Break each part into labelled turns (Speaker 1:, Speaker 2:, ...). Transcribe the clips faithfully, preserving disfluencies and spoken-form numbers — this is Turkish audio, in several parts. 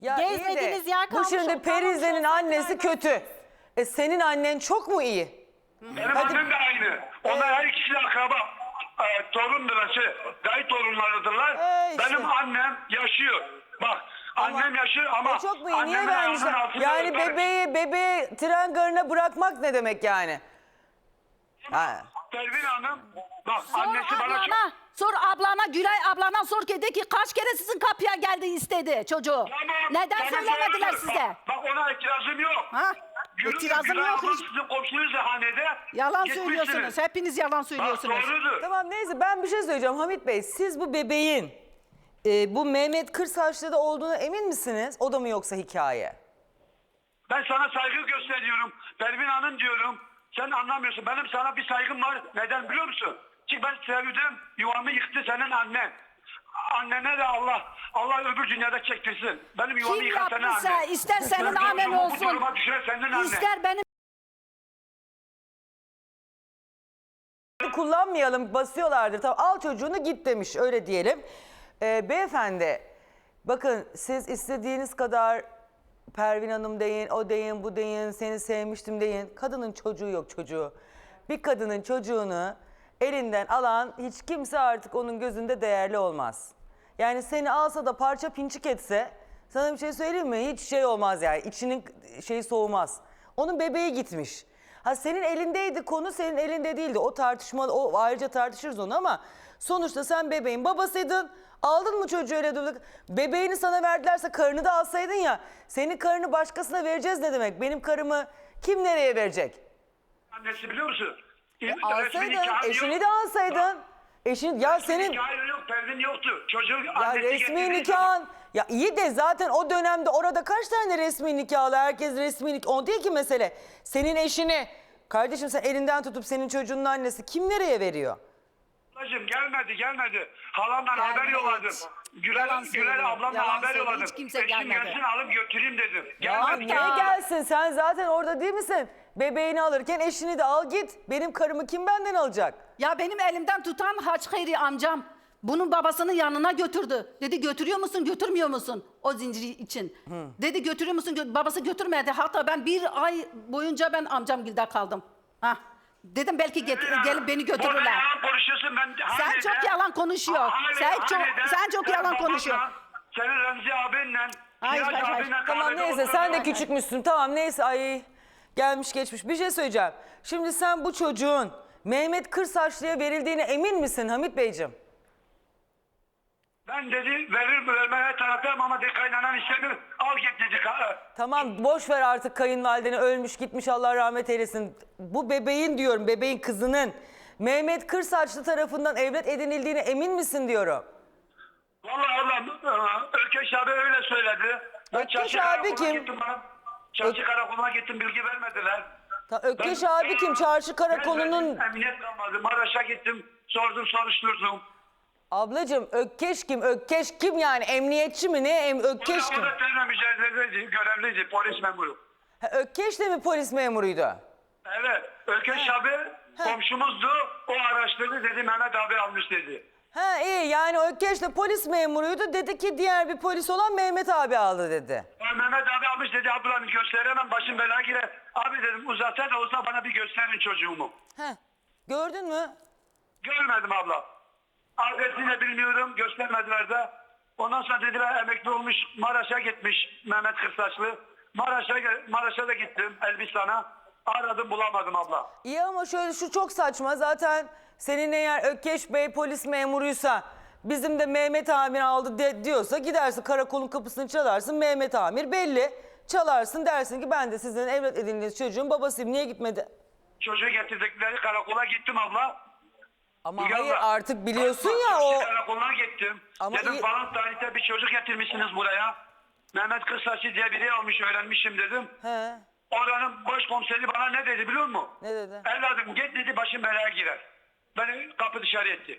Speaker 1: Ya iyi de
Speaker 2: Gezmediğiniz yer
Speaker 1: bu
Speaker 2: kalmış,
Speaker 1: şimdi
Speaker 2: kalmış
Speaker 1: Perize'nin
Speaker 2: olsa
Speaker 1: annesi kötü. E senin annen çok mu iyi?
Speaker 3: Benim
Speaker 1: Hadi.
Speaker 3: annem de aynı. Onlar her ikisi de akraba. E, torundurlar, şey, dayı torunlarıdırlar.
Speaker 1: E işte.
Speaker 3: Benim annem yaşıyor. Bak annem yaşıyor ama
Speaker 1: E çok mu iyi? Niye
Speaker 3: annemin
Speaker 1: vermişler?
Speaker 3: ayağının altında
Speaker 1: Yani
Speaker 3: öper.
Speaker 1: bebeği, bebeği tren garına bırakmak ne demek yani? Ha.
Speaker 3: Pervin Hanım, bak
Speaker 2: Sor
Speaker 3: annesi bana çok...
Speaker 2: ablana, sor ablana, Gülay ablana sor ki de ki kaç kere sizin kapıya geldi istedi çocuğu.
Speaker 3: Tamam,
Speaker 2: Neden
Speaker 3: tamam,
Speaker 2: söylemediler
Speaker 3: doğrudur.
Speaker 2: size?
Speaker 3: Bak, bak ona itirazım yok.
Speaker 2: Ha?
Speaker 3: Gülü-
Speaker 2: İtirazım
Speaker 3: Gülay
Speaker 2: yok
Speaker 3: ablam
Speaker 2: hiç.
Speaker 3: Sizin komşunuz da hanede.
Speaker 2: Yalan
Speaker 3: gitmişsiniz.
Speaker 2: söylüyorsunuz. Hepiniz yalan
Speaker 3: Bak
Speaker 2: söylüyorsunuz.
Speaker 3: doğrudur.
Speaker 1: Tamam neyse ben bir şey söyleyeceğim Hamit Bey. Siz bu bebeğin e, bu Mehmet Kırsaçlı'da olduğuna emin misiniz? O da mı yoksa hikaye?
Speaker 3: Ben sana saygı gösteriyorum. Pervin Hanım diyorum. Sen anlamıyorsun. Benim sana bir saygım var. Neden biliyor musun? Çünkü ben sevdim. Yuvamı yıktı senin annen. Annene de Allah Allah öbür dünyada çektirsin. Benim yuvamı
Speaker 2: Kim
Speaker 3: yıkan senin
Speaker 2: yaptıysa
Speaker 3: annen.
Speaker 2: ister senin
Speaker 3: Ben
Speaker 2: annen
Speaker 3: bu
Speaker 2: olsun.
Speaker 3: duruma düşüren senin annen.
Speaker 2: İster benim
Speaker 1: Kullanmayalım basıyorlardır. Tamam al çocuğunu git demiş öyle diyelim. Ee, beyefendi bakın siz istediğiniz kadar Pervin Hanım deyin, o deyin, bu deyin, seni sevmiştim deyin. Kadının çocuğu yok çocuğu. Bir kadının çocuğunu elinden alan hiç kimse artık onun gözünde değerli olmaz. Yani seni alsa da parça pinçik etse sana bir şey söyleyeyim mi? Hiç şey olmaz yani içinin şeyi soğumaz. Onun bebeği gitmiş. Ha senin elindeydi konu senin elinde değildi. O tartışma o ayrıca tartışırız onu ama sonuçta sen bebeğin babasıydın. Aldın mı çocuğu öyle durduk. Bebeğini sana verdilerse karını da alsaydın ya. Senin karını başkasına vereceğiz ne demek? Benim karımı kim nereye verecek?
Speaker 3: Annesi biliyor musun?
Speaker 1: E,
Speaker 3: Resmi
Speaker 1: alsaydın,
Speaker 3: nikahı
Speaker 1: eşini
Speaker 3: yok.
Speaker 1: de alsaydın. Eşin ya senin
Speaker 3: Nikahı yok, Pervin yoktu. Çocuğu
Speaker 1: ya
Speaker 3: annesi
Speaker 1: resmi
Speaker 3: getirdiği
Speaker 1: nikahın ya iyi de zaten o dönemde orada kaç tane resmi nikahlı herkes resmi nikah o değil ki mesele. Senin eşini kardeşim sen elinden tutup senin çocuğunun annesi kim nereye veriyor?
Speaker 3: Ablacığım gelmedi gelmedi. Halamdan
Speaker 2: Gelmedi,
Speaker 3: haber yolladım.
Speaker 2: hiç.
Speaker 3: Güler,
Speaker 2: Yalan
Speaker 3: Güler
Speaker 2: söylüyor,
Speaker 3: ablamdan
Speaker 2: yalan
Speaker 3: haber
Speaker 2: söylüyor.
Speaker 3: yolladım.
Speaker 2: Hiç kimse
Speaker 3: Eşim
Speaker 2: gelmedi.
Speaker 3: gelsin alıp götüreyim dedim.
Speaker 1: Ya
Speaker 3: Gelmedi.
Speaker 1: niye
Speaker 3: gelmedi.
Speaker 1: gelsin sen zaten orada değil misin? Bebeğini alırken eşini de al git. Benim karımı kim benden alacak?
Speaker 2: ya benim elimden tutan Haçkayri amcam bunun babasının yanına götürdü. Dedi götürüyor musun götürmüyor musun o zinciri için. Dedi götürüyor musun Gö- babası götürmedi. Hatta ben bir ay boyunca ben amcamgilde kaldım. Hah. Dedim belki get- gelip beni
Speaker 3: Burada
Speaker 2: götürürler.
Speaker 3: yalan konuşuyorsun ben.
Speaker 2: Sen
Speaker 3: hanede-
Speaker 2: çok yalan konuşuyor.
Speaker 3: hanede-
Speaker 2: Sen çok
Speaker 3: hanede
Speaker 2: sen çok
Speaker 3: sen
Speaker 2: yalan
Speaker 3: babanla,
Speaker 2: konuşuyorsun.
Speaker 3: Senin Remzi abinle,
Speaker 2: Hayır,
Speaker 3: Sirac
Speaker 2: hayır, hayır.
Speaker 3: abinle
Speaker 1: Tamam
Speaker 3: kahvede
Speaker 1: neyse sen de
Speaker 3: oturdun.
Speaker 1: küçükmüşsün tamam neyse ay gelmiş geçmiş. Bir şey söyleyeceğim. Şimdi sen bu çocuğun Mehmet Kırsaçlı'ya verildiğine emin misin Hamit Beyciğim?
Speaker 3: Ben dedi verir vermeye taraftayım ama de kaynanan istemiyor. Al git dedi. ka-
Speaker 1: Tamam boş ver artık kayınvalideni ölmüş gitmiş Allah rahmet eylesin. Bu bebeğin diyorum bebeğin kızının Mehmet Kırsaçlı tarafından evlat edinildiğine emin misin diyorum.
Speaker 3: Vallahi Allah Ökeş abi öyle söyledi. Ben
Speaker 1: Ökeş
Speaker 3: çarşı
Speaker 1: abi
Speaker 3: karakoluna
Speaker 1: kim?
Speaker 3: Gittim bana. Çarşı karakoluna gittim bilgi vermediler.
Speaker 1: Ta, Ökkeş
Speaker 3: Ben-
Speaker 1: abi kim? Çarşı karakolunun...
Speaker 3: Ben emniyet kalmadı. Maraş'a gittim. Sordum soruşturdum.
Speaker 1: Ablacığım Ökkeş kim? Ökkeş kim yani? Emniyetçi mi? Ne? Em Ökkeş
Speaker 3: O
Speaker 1: kim?
Speaker 3: da terörle mücadeleci, görevliydi, polis memuru.
Speaker 1: Ha, Ökkeş de mi polis memuruydu?
Speaker 3: Evet, Ökeş abi komşumuzdu. O araştırdı dedi Mehmet abi almış dedi.
Speaker 1: Ha iyi yani Ökkeş de polis memuruydu. Dedi ki diğer bir polis olan Mehmet abi aldı dedi.
Speaker 3: Ya Mehmet abi almış dedi ablam gösteremem başım belaya girer. Abi dedim uzatsa da olsa bana bir gösterin çocuğumu.
Speaker 1: Heh. Gördün mü?
Speaker 3: Görmedim abla. Adresini de bilmiyorum göstermediler de. Ondan sonra dediler emekli olmuş Maraş'a gitmiş Mehmet Kırsaçlı. Maraş'a Maraş'a da gittim Elbistan'a. Aradım bulamadım abla.
Speaker 1: İyi ama şöyle şu çok saçma. Zaten senin eğer Ökkeş Bey polis memuruysa bizim de Mehmet Amir aldı de, diyorsa gidersin karakolun kapısını çalarsın. Mehmet Amir belli. Çalarsın dersin ki ben de sizin evlat edindiğiniz çocuğun babasıyım. Niye gitmedi?
Speaker 3: Çocuğu getirdikleri karakola gittim abla.
Speaker 1: Ama
Speaker 3: Müge
Speaker 1: hayır
Speaker 3: abla,
Speaker 1: artık biliyorsun ya
Speaker 3: Çarşı
Speaker 1: o...
Speaker 3: karakoluna gittim.
Speaker 1: Ama
Speaker 3: dedim
Speaker 1: iyi-
Speaker 3: falan tarihte bir çocuk getirmişsiniz buraya. Mehmet Kırsaçlı diye biri almış öğrenmişim dedim.
Speaker 1: He,
Speaker 3: Oranın başkomiseri bana ne dedi biliyor musun?
Speaker 1: ne dedi?
Speaker 3: Evladım git dedi başım belaya girer. Beni kapı dışarı etti.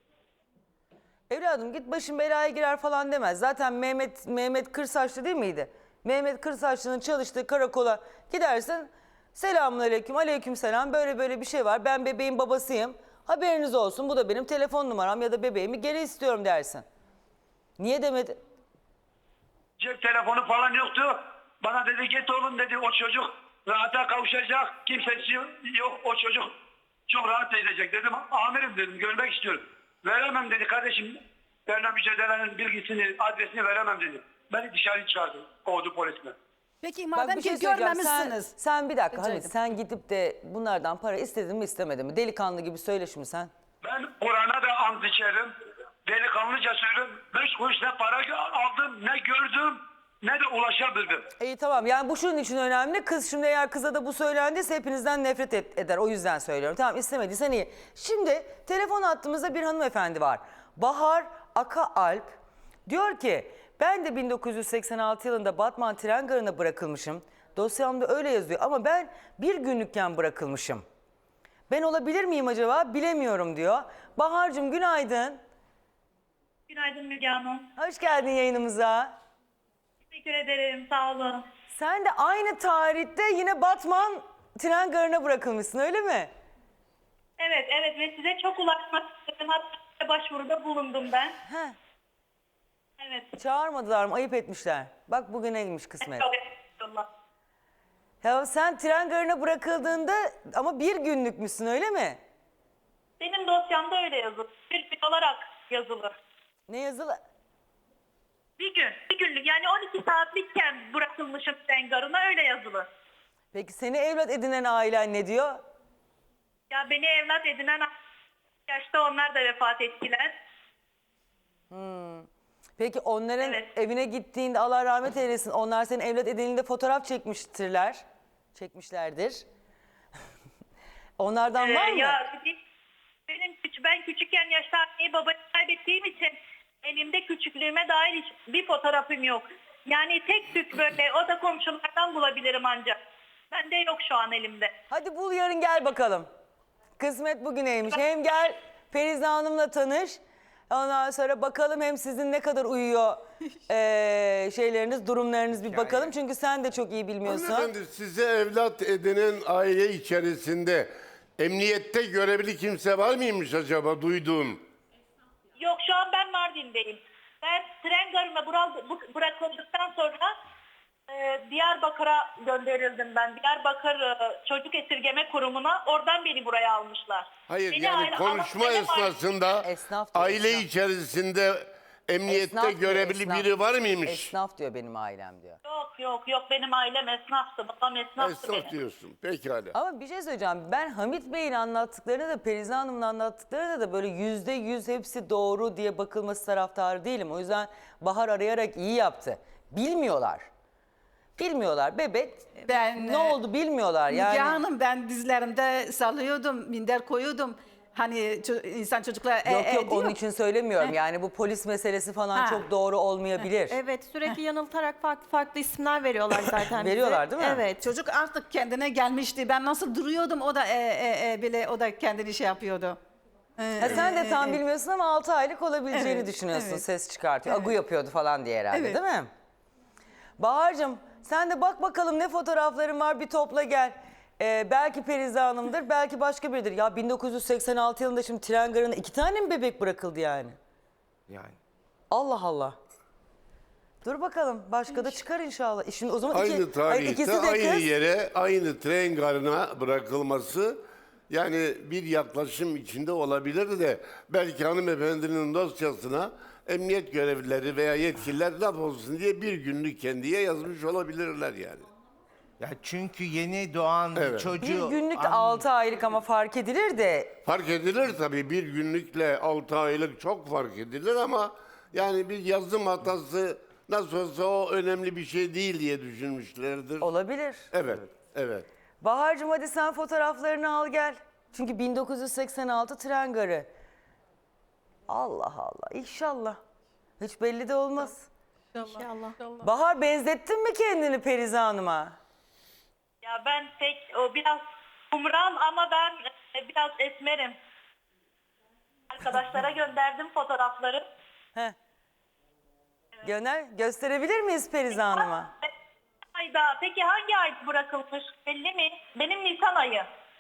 Speaker 1: Evladım git başın belaya girer falan demez. Zaten Mehmet Mehmet Kırsaçlı değil miydi? Mehmet Kırsaçlı'nın çalıştığı karakola gidersin. Selamünaleyküm, aleykümselam. Böyle böyle bir şey var. Ben bebeğin babasıyım. Haberiniz olsun. Bu da benim telefon numaram ya da bebeğimi geri istiyorum dersin. Niye demedi?
Speaker 3: Cep telefonu falan yoktu. Bana dedi git oğlum dedi, o çocuk rahata kavuşacak. Kimsesi yok, o çocuk çok rahat edecek dedim. Amirim dedim, görmek istiyorum. Veremem dedi kardeşim. Benimle mücadelenin bilgisini, adresini veremem dedi. Beni dışarı çıkardı. Kovdu polisle.
Speaker 2: Peki
Speaker 1: Bak
Speaker 2: madem
Speaker 1: bir şey
Speaker 2: ki
Speaker 1: söyleyeceğim. Sen,
Speaker 2: görmemişsiniz.
Speaker 1: sen bir dakika
Speaker 2: Rica
Speaker 1: Hamit,
Speaker 2: ederim.
Speaker 1: sen gidip de bunlardan para istedin mi istemedin mi? Delikanlı gibi söyle şimdi sen.
Speaker 3: Ben Kur'an'a da ant içerim. Delikanlıca söylüyorum. Beş kuruş ne para aldım, ne gördüm, ne de ulaşabildim.
Speaker 1: İyi tamam, yani bu şunun için önemli. Kız şimdi eğer kıza da bu söylendiyse hepinizden nefret et- eder. O yüzden söylüyorum. Tamam, istemediysen iyi. Şimdi telefon hattımızda bir hanımefendi var. Bahar Aka Alp diyor ki ben de bin dokuz yüz seksen altı yılında Batman tren garına bırakılmışım. Dosyamda öyle yazıyor ama ben bir günlükken bırakılmışım. Ben olabilir miyim acaba bilemiyorum diyor. Bahar'cığım günaydın.
Speaker 4: Günaydın Müge Hanım.
Speaker 1: Hoş geldin yayınımıza.
Speaker 4: Teşekkür ederim. Sağ olun.
Speaker 1: Sen de aynı tarihte yine Batman tren garına bırakılmışsın öyle mi?
Speaker 4: Evet, evet ve size çok ulaşmak istedim. Hatta başvuruda bulundum ben.
Speaker 1: He.
Speaker 4: Evet.
Speaker 1: Çağırmadılar mı? Ayıp etmişler. Bak bugüneymiş kısmet.
Speaker 4: Çok estağfurullah.
Speaker 1: Ya sen tren garına bırakıldığında ama bir günlükmüşsün öyle mi?
Speaker 4: Benim dosyamda öyle yazılı. Bir gün olarak yazılı.
Speaker 1: Ne yazılı?
Speaker 4: Bir gün, bir günlük yani on iki saatlikken bırakılmışım tren garına öyle yazılı.
Speaker 1: Peki seni evlat edinen ailen ne diyor?
Speaker 4: Ya beni evlat edinen yaşta onlar da vefat ettiler.
Speaker 1: Peki onların
Speaker 4: Evet.
Speaker 1: evine gittiğinde Allah rahmet eylesin onlar senin evlat edininde fotoğraf çekmiştirler. Çekmişlerdir. Onlardan
Speaker 4: Ee,
Speaker 1: var mı?
Speaker 4: ya benim küç- ben küçükken yaşta anneyi babayı kaybettiğim için elimde küçüklüğüme dair hiç bir fotoğrafım yok. Yani tek tük böyle o da komşulardan bulabilirim ancak. Bende yok şu an elimde.
Speaker 1: Hadi bul yarın gel bakalım. Kısmet bugüneymiş. Hem gel Ferize Hanım'la tanış. Ondan sonra bakalım hem sizin ne kadar uyuyor eee, şeyleriniz, durumlarınız bir bakalım. Çünkü sen de çok iyi bilmiyorsun.
Speaker 5: Hanımefendi size evlat edinen aile içerisinde emniyette görevli kimse var mıymış acaba duyduğun?
Speaker 4: Yok şu an ben Mardin'deyim. Ben tren garına bırak- bu- bırakıldıktan sonra e, Diyarbakır'a gönderildim ben. Diyarbakır e, Çocuk Esirgeme Kurumu'na. Oradan beni buraya almışlar.
Speaker 5: Hayır
Speaker 4: Beni
Speaker 5: yani
Speaker 4: aile-
Speaker 5: konuşma
Speaker 4: ama benim
Speaker 5: esnasında
Speaker 1: Esnaf diyor,
Speaker 5: aile
Speaker 1: esnaf.
Speaker 5: içerisinde emniyette
Speaker 1: Esnaf diyor,
Speaker 5: görevli
Speaker 1: esnaf.
Speaker 5: biri var mıymış?
Speaker 1: Esnaf diyor benim ailem diyor.
Speaker 4: Yok yok yok benim ailem esnaftı. Babam esnaftı benim.
Speaker 5: Esnaf diyorsun. Pekala.
Speaker 1: Ama bir şey söyleyeceğim. Ben Hamit Bey'in anlattıklarına da Perize Hanım'ın anlattıklarına da böyle yüzde yüz hepsi doğru diye bakılması taraftarı değilim. O yüzden Bahar arayarak iyi yaptı. Bilmiyorlar. Bilmiyorlar. Bebek
Speaker 2: Ben,
Speaker 1: ne
Speaker 2: e,
Speaker 1: oldu bilmiyorlar.
Speaker 2: Müge
Speaker 1: Yani
Speaker 2: Hanım ben dizlerimde sallıyordum, minder koyuyordum. Hani ço- insan çocuklar e,
Speaker 1: yok
Speaker 2: e
Speaker 1: yok onun
Speaker 2: diyor.
Speaker 1: için söylemiyorum. Yani bu polis meselesi falan
Speaker 2: Ha.
Speaker 1: çok doğru olmayabilir.
Speaker 6: Evet, sürekli yanıltarak farklı farklı isimler veriyorlar zaten bize.
Speaker 1: Veriyorlar değil mi?
Speaker 6: Evet.
Speaker 2: Çocuk artık kendine gelmişti. Ben nasıl duruyordum o da e, e, e, bile o da kendini şey yapıyordu.
Speaker 1: Ha, sen de tam bilmiyorsun ama altı aylık olabileceğini
Speaker 2: Evet,
Speaker 1: düşünüyorsun.
Speaker 2: evet.
Speaker 1: Ses çıkartıyor. Agu yapıyordu falan diye herhalde
Speaker 2: Evet.
Speaker 1: değil mi? Bahar'cığım sen de bak bakalım ne fotoğrafların var bir topla gel. Ee, belki Perize Hanım'dır belki başka biridir. Ya bin dokuz yüz seksen altı yılında şimdi tren garına iki tane mi bebek bırakıldı yani?
Speaker 5: Yani.
Speaker 1: Allah Allah. Dur bakalım başka da çıkar inşallah. E Şimdi o zaman iki,
Speaker 5: Aynı
Speaker 1: Hayır,
Speaker 5: tarihte
Speaker 1: ikisi de
Speaker 5: aynı
Speaker 1: kız.
Speaker 5: yere aynı tren garına bırakılması yani bir yaklaşım içinde olabilir de belki hanımefendinin dosyasına emniyet görevlileri veya yetkililer laf olsun diye bir günlük kendiye yazmış olabilirler yani.
Speaker 7: Ya çünkü yeni doğan
Speaker 5: Evet.
Speaker 7: çocuğu...
Speaker 1: Bir günlük de
Speaker 7: An-
Speaker 1: altı aylık ama fark edilir de
Speaker 5: Fark edilir tabii bir günlükle altı aylık çok fark edilir ama yani bir yazım hatası nasıl olsa o önemli bir şey değil diye düşünmüşlerdir.
Speaker 1: olabilir.
Speaker 5: Evet, evet.
Speaker 1: Bahar'cığım hadi sen fotoğraflarını al gel. Çünkü bin dokuz yüz seksen altı tren garı. Allah Allah inşallah. Hiç belli de olmaz.
Speaker 6: İnşallah.
Speaker 1: Bahar benzettin mi kendini Perize Hanım'a?
Speaker 4: Ya ben pek o biraz kumral ama ben e, biraz esmerim. Arkadaşlara gönderdim fotoğrafları.
Speaker 1: Heh. Göner, gösterebilir miyiz Perize Hanım'a?
Speaker 4: Ayda peki hangi ay bırakılmış belli mi? Benim Nisan ayı.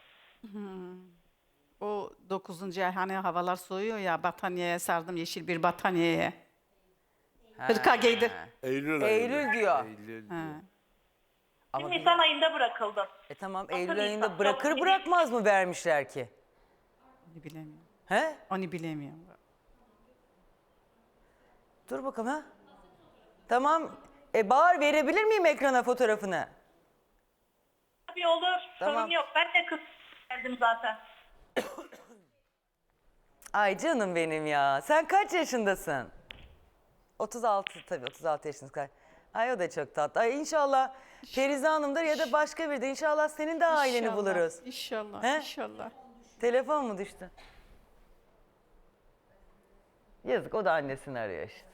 Speaker 2: O dokuzuncu ay hani havalar soğuyor ya battaniyeye sardım yeşil bir battaniyeye. Hırka giydi.
Speaker 5: Eylül ayında.
Speaker 1: Eylül diyor.
Speaker 4: Şimdi Nisan ayında bırakıldım.
Speaker 1: E tamam
Speaker 4: Nasıl
Speaker 1: Eylül
Speaker 4: bir
Speaker 1: ayında
Speaker 4: insan?
Speaker 1: bırakır
Speaker 4: Çok iyi.
Speaker 1: bırakmaz mı vermişler ki?
Speaker 2: Onu bilemiyorum.
Speaker 1: He?
Speaker 2: Onu bilemiyorum.
Speaker 1: Dur bakalım ha. Tamam. E Bahar verebilir miyim ekrana fotoğrafını?
Speaker 4: Tabii olur.
Speaker 1: Tamam.
Speaker 4: Sorun yok. Ben de kız geldim zaten.
Speaker 1: Ay canım benim ya. Sen kaç yaşındasın? otuz altı tabii otuz altı yaşındasın. Ay o da çok tatlı. Ay inşallah Ferize Hanım'dır ya da başka biri de. İnşallah senin de aileni
Speaker 2: İnşallah,
Speaker 1: buluruz.
Speaker 2: İnşallah,
Speaker 1: He?
Speaker 2: inşallah.
Speaker 1: Telefon mu düştü? Yazık o da annesini arıyor işte.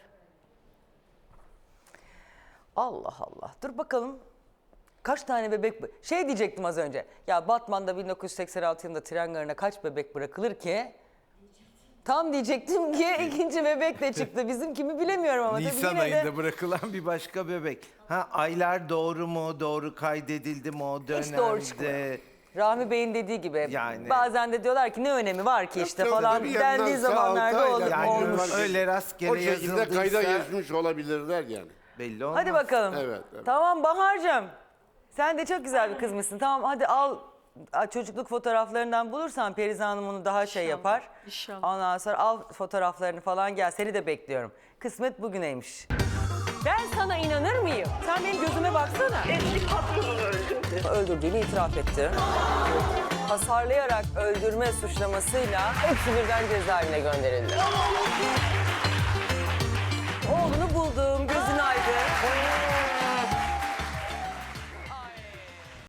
Speaker 1: Allah Allah. Dur bakalım. Kaç tane bebek... Şey diyecektim az önce. Ya Batman'da bin dokuz yüz seksen altı yılında tren garına kaç bebek bırakılır ki? Tam diyecektim ki ikinci bebek de çıktı. Bizim kimi bilemiyorum ama. tabii
Speaker 7: Nisan
Speaker 1: yine de-
Speaker 7: ayında bırakılan bir başka bebek. Ha aylar doğru mu? Doğru kaydedildi mi o dönemde?
Speaker 1: Hiç doğru çıkmıyor. Rahmi Bey'in dediği gibi
Speaker 7: Yani-
Speaker 1: bazen de diyorlar ki ne önemi var ki işte
Speaker 5: Yok,
Speaker 1: falan
Speaker 5: tabii
Speaker 1: dendiği
Speaker 5: yandan sağ
Speaker 1: zamanlarda
Speaker 5: altı
Speaker 1: olur,
Speaker 5: aylar
Speaker 7: Yani
Speaker 1: olmuş.
Speaker 7: öyle rastgele
Speaker 5: O şekilde kayda
Speaker 7: yazıldıysa
Speaker 5: geçmiş olabilirler yani.
Speaker 7: belli olmaz.
Speaker 1: Hadi bakalım.
Speaker 5: Evet, evet.
Speaker 1: Tamam Bahar'cığım. Sen de çok güzel bir kızmışsın. Tamam hadi al a, çocukluk fotoğraflarından bulursan Perize Hanım onu daha şey yapar.
Speaker 2: inşallah.
Speaker 1: Ondan sonra al fotoğraflarını falan gel. Seni de bekliyorum. Kısmet bugüneymiş. Ben sana inanır mıyım? Sen benim gözüme baksana.
Speaker 4: Eski patronunu öldürdü.
Speaker 1: Öldürdüğünü itiraf etti. Hasarlayarak öldürme suçlamasıyla hepsi birden cezaevine gönderildi. Oğlunu buldum, gözün aydın.